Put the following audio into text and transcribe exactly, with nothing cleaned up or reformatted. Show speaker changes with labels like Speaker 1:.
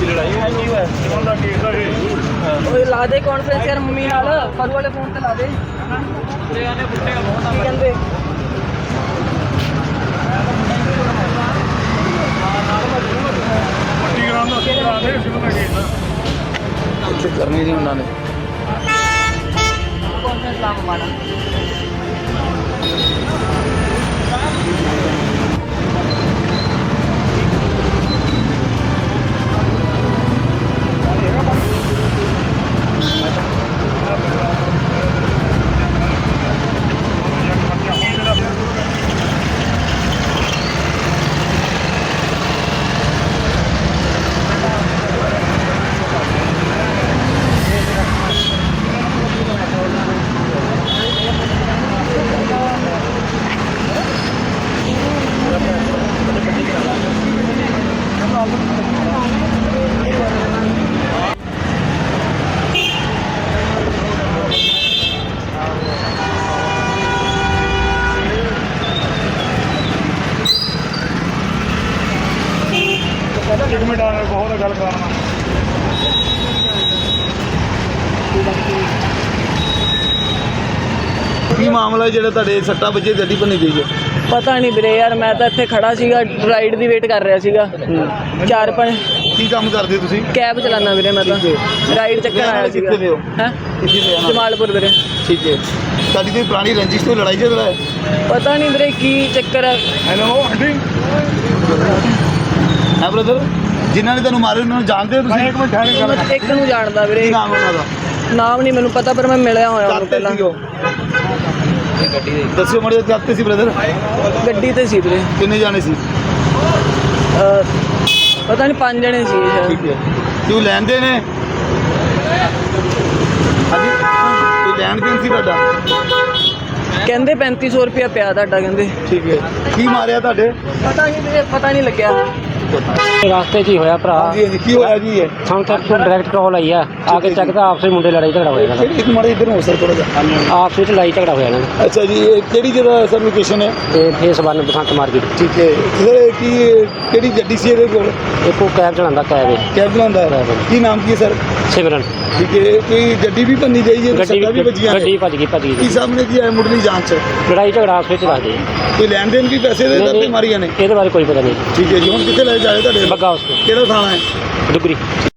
Speaker 1: ਉਹ ਲਾ ਦੇ ਕਾਨਫਰੰਸ ਯਾਰ ਮੰਮੀ ਨਾਲ ਫਰੂ ਵਾਲੇ ਫੋਨ ਤੇ ਲਾ ਦੇ ਕੀ ਕਹਿੰਦੇ
Speaker 2: ਕਰਨੀ ਸੀ ਉਹਨਾਂ ਨੇ
Speaker 1: ਕਾਨਫਰੰਸ ਲਾ ਮਾਣਾ
Speaker 3: एक मिनट आ बहुत गल करना
Speaker 2: ਕੀ ਮਾਮਲਾ ਜਿਹੜਾ ਤੁਹਾਡੇ ਸੱਟਾਂ ਵੱਜੇ ਗੱਡੀ ਭੰਨੀ ਗਈ ਹੈ?
Speaker 1: ਪਤਾ ਨਹੀਂ ਵੀਰੇ ਯਾਰ ਮੈਂ ਤਾਂ ਇੱਥੇ ਖੜਾ ਸੀਗਾ ਰਾਈਡ ਦੀ ਵੇਟ ਕਰ ਰਿਹਾ ਸੀਗਾ ਚਾਰ ਪੰਜ
Speaker 2: ਕੀ ਕੰਮ ਕਰਦੇ ਤੁਸੀਂ?
Speaker 1: ਕੈਬ ਚਲਾਉਣਾ ਵੀਰੇ ਮੈਂ ਤਾਂ ਰਾਈਡ ਚੱਕਰ ਆਇਆ ਸੀਗਾ
Speaker 2: ਕਿੱਥੇ ਦੇ ਹੋ?
Speaker 1: ਹੈ
Speaker 2: ਕਿੱਥੇ ਦੇ ਹੋ?
Speaker 1: ਜਮਾਲਪੁਰ ਵੀਰੇ
Speaker 2: ਠੀਕ ਹੈ। ਤੁਹਾਡੀ ਕੋਈ ਪੁਰਾਣੀ ਰੰਜਿਸ਼ ਤੋਂ ਲੜਾਈ ਝਗੜਾ ਹੈ?
Speaker 1: ਪਤਾ ਨਹੀਂ ਵੀਰੇ ਕੀ ਚੱਕਰ ਹੈ
Speaker 3: हेलो आंटी
Speaker 2: ਹੈ ਬ੍ਰਦਰ, ਜਿਨ੍ਹਾਂ ਨੇ ਤੁਹਾਨੂੰ ਮਾਰੇ ਉਹਨਾਂ ਨੂੰ ਜਾਣਦੇ ਹੋ ਤੁਸੀਂ?
Speaker 3: एक मिनट ठहरे गल
Speaker 1: ਮੈਂ ਇੱਕ ਨੂੰ ਜਾਣਦਾ ਵੀਰੇ
Speaker 2: ਕੀ ਨਾਮ ਉਹਨਾਂ ਦਾ?
Speaker 1: ਨਾਮ ਨਹੀਂ ਮੈਨੂੰ ਪਤਾ ਪਰ ਮੈਂ ਮਿਲਿਆ ਹੋਇਆ ਉਹਨੂੰ
Speaker 2: ਕਾਤੇ
Speaker 1: ਪਹਿਲਾਂ
Speaker 2: ਸੀ ਉਹ? ਦੱਸਿਓ ਮੜੇ ਕਾਤੇ ਸੀ ਬ੍ਰਦਰ?
Speaker 1: ਗੱਡੀ ਤੇ ਸੀ ਵੀਰੇ
Speaker 2: ਕਿੰਨੇ ਜਾਣੇ ਸੀ?
Speaker 1: ਅਹ, ਪਤਾ ਨਹੀਂ ਪੰਜ ਜਣੇ ਸੀ ਸ਼ਾਇਦ
Speaker 2: ਠੀਕ ਹੈ। ਤੂੰ ਲੈਂਦੇ ਨੇ ਹਾਂਜੀ ਕੋਈ ਲੈਣ ਦੇਣ ਸੀ ਤੁਹਾਡਾ?
Speaker 1: ਕਹਿੰਦੇ ਪੈਂਤੀ ਸੌ ਰੁਪਇਆ ਪਿਆ ਤੁਹਾਡਾ ਕਹਿੰਦੇ
Speaker 2: ਠੀਕ ਹੈ। ਕੀ ਮਾਰਿਆ ਤੁਹਾਡੇ?
Speaker 1: ਪਤਾ ਨਹੀਂ ਵੀਰੇ ਪਤਾ ਨਹੀਂ ਲੱਗਿਆ
Speaker 4: रास्ते च ही होया भरा
Speaker 2: ਹਾਂਜੀ ਹਾਂਜੀ ਕੀ ਹੋਇਆ ਜੀ ਇਹ?
Speaker 4: ਸਾਨੂੰ ਤਾਂ ਤੋਂ ਡਾਇਰੈਕਟ ਕਾਲ ਆਈ ਆ ਆ ਕੇ ਚੱਕਦਾ ਆਪਸ ਵਿੱਚ ਮੁੰਡੇ ਲੜਾਈ ਝਗੜਾ ਹੋਇਆ ਇਹਨਾਂ
Speaker 2: ਕਿਹੜੀ ਇੱਕ ਮਾੜੇ ਇੱਧਰ ਹੋ ਸਰ ਥੋੜਾ ਜਿਹਾ।
Speaker 4: ਦਾ ਆਪਸ ਵਿੱਚ ਲੜਾਈ ਝਗੜਾ ਹੋਇਆ ਇਹਨਾਂ ਦਾ
Speaker 2: ਅੱਛਾ ਜੀ, ਇਹ ਕਿਹੜੀ ਜਗ੍ਹਾ ਸਰ ਲੋਕੇਸ਼ਨ ਹੈ?
Speaker 4: ਤੇ ਫੇਸ ਵਨ ਬਸੰਤ ਮਾਰਕੀਟ
Speaker 2: ਠੀਕ ਹੈ ਸਰ, ਕੀ ਕਿਹੜੀ ਗੱਡੀ ਸੀ ਇਹਦੇ ਕੋਲ?
Speaker 4: ਇੱਕ ਉਹ ਕੈਬ ਚਲਾਉਂਦਾ ਕੈਬ ਹੈ
Speaker 2: ਕੈਬ ਚਲਾਉਂਦਾ ਹੈ? ਕੀ ਨਾਮ ਕੀ ਹੈ ਸਰ?
Speaker 4: ਸਿਮਰਨ
Speaker 2: ਠੀਕ ਹੈ। ਕੋਈ ਗੱਡੀ ਵੀ ਭੰਨੀ ਗਈ ਹੈ?
Speaker 4: ਗੱਡੀ
Speaker 2: ਸੱਟਾਂ ਵੀ ਵੱਜੀਆਂ ਨੇ?
Speaker 4: ਗੱਡੀ ਭੱਜ ਗਈ ਭੱਜ
Speaker 2: ਕੀ
Speaker 4: ਗਈ
Speaker 2: ਸਾਹਮਣੇ ਕੀ ਹੈ ਮੁੱਢਲੀ ਜਾਂਚ?
Speaker 4: ਲੜਾਈ ਝਗੜਾ ਆਪਸ ਵਿੱਚ ਦੱਸਦੇ
Speaker 2: ਕੋਈ ਲੈਣ ਦੇਣ ਵੀ ਪੈਸੇ ਦੇ ਦਿੱਤੇ ਮਾਰੀਆਂ ਨੇ?
Speaker 4: ਇਹਦੇ ਬਾਰੇ ਕੋਈ ਪਤਾ ਨਹੀਂ
Speaker 2: ਠੀਕ ਹੈ ਜੀ। ਹੁਣ ਕਿੱਥੇ ਲੈ ਜਾਏ ਤੁਹਾਡੇ?
Speaker 4: ਬੱਗਾ ਉਸ
Speaker 2: ਕਿਹੜਾ ਥਾਣਾ ਹੈ?
Speaker 4: ਡੁਗਰੀ